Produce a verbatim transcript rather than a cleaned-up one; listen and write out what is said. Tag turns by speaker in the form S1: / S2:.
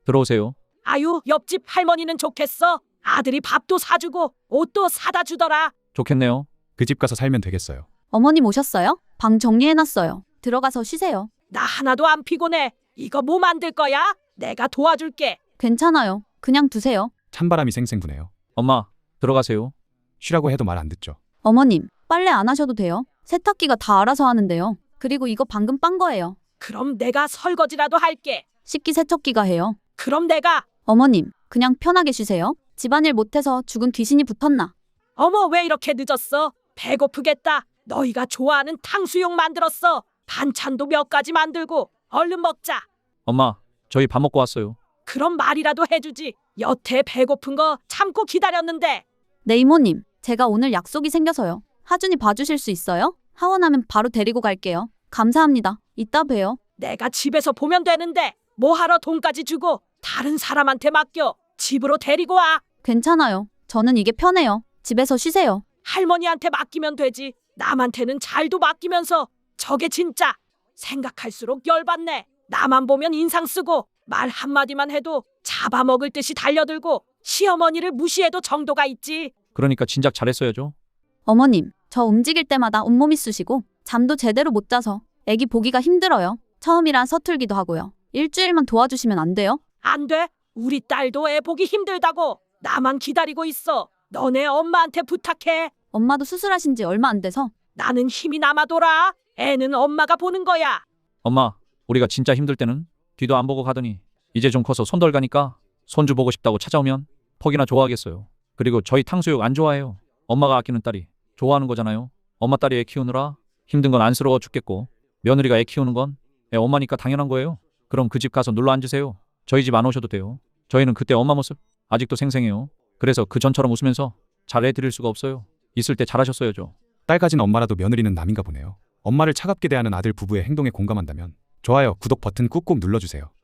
S1: 들어오세요.
S2: 아유, 옆집 할머니는 좋겠어. 아들이 밥도 사주고 옷도 사다 주더라.
S1: 좋겠네요.
S3: 그 집 가서 살면 되겠어요.
S4: 어머님 오셨어요? 방 정리해놨어요. 들어가서 쉬세요.
S2: 나 하나도 안 피곤해. 이거 뭐 만들 거야? 내가 도와줄게.
S4: 괜찮아요. 그냥 두세요.
S3: 찬바람이 쌩쌩 부네요.
S1: 엄마, 들어가세요.
S3: 쉬라고 해도 말 안 듣죠.
S4: 어머님, 빨래 안 하셔도 돼요. 세탁기가 다 알아서 하는데요. 그리고 이거 방금 빤 거예요.
S2: 그럼 내가 설거지라도 할게.
S4: 식기세척기가 해요.
S2: 그럼 내가.
S4: 어머님, 그냥 편하게 쉬세요. 집안일 못해서 죽은 귀신이 붙었나?
S2: 어머, 왜 이렇게 늦었어? 배고프겠다. 너희가 좋아하는 탕수육 만들었어. 반찬도 몇 가지 만들고. 얼른 먹자.
S1: 엄마, 저희 밥 먹고 왔어요.
S2: 그럼 말이라도 해주지. 여태 배고픈 거 참고 기다렸는데.
S4: 네 이모님, 제가 오늘 약속이 생겨서요. 하준이 봐주실 수 있어요? 하원하면 바로 데리고 갈게요. 감사합니다. 이따 봬요.
S2: 내가 집에서 보면 되는데 뭐하러 돈까지 주고 다른 사람한테 맡겨. 집으로 데리고 와.
S4: 괜찮아요. 저는 이게 편해요. 집에서 쉬세요.
S2: 할머니한테 맡기면 되지. 남한테는 잘도 맡기면서. 저게 진짜. 생각할수록 열받네. 나만 보면 인상 쓰고 말 한마디만 해도 잡아먹을 듯이 달려들고 시어머니를 무시해도 정도가 있지.
S1: 그러니까 진작 잘했어야죠.
S4: 어머님, 저 움직일 때마다 온몸이 쑤시고 잠도 제대로 못 자서 애기 보기가 힘들어요. 처음이라 서툴기도 하고요. 일주일만 도와주시면 안 돼요?
S2: 안 돼. 우리 딸도 애 보기 힘들다고. 나만 기다리고 있어. 너네 엄마한테 부탁해.
S4: 엄마도 수술하신 지 얼마 안 돼서.
S2: 나는 힘이 남아돌아. 애는 엄마가 보는 거야.
S1: 엄마, 우리가 진짜 힘들 때는 뒤도 안 보고 가더니 이제 좀 커서 손덜 가니까 손주 보고 싶다고 찾아오면 퍽이나 좋아하겠어요. 그리고 저희 탕수육 안 좋아해요. 엄마가 아끼는 딸이 좋아하는 거잖아요. 엄마 딸이 애 키우느라 힘든 건 안쓰러워 죽겠고 며느리가 애 키우는 건 애 엄마니까 당연한 거예요. 그럼 그 집 가서 눌러 앉으세요. 저희 집 안 오셔도 돼요. 저희는 그때 엄마 모습 아직도 생생해요. 그래서 그 전처럼 웃으면서 잘해드릴 수가 없어요. 있을 때 잘하셨어야죠.
S3: 딸 가진 엄마라도 며느리는 남인가 보네요. 엄마를 차갑게 대하는 아들 부부의 행동에 공감한다면 좋아요, 구독 버튼 꾹꾹 눌러주세요.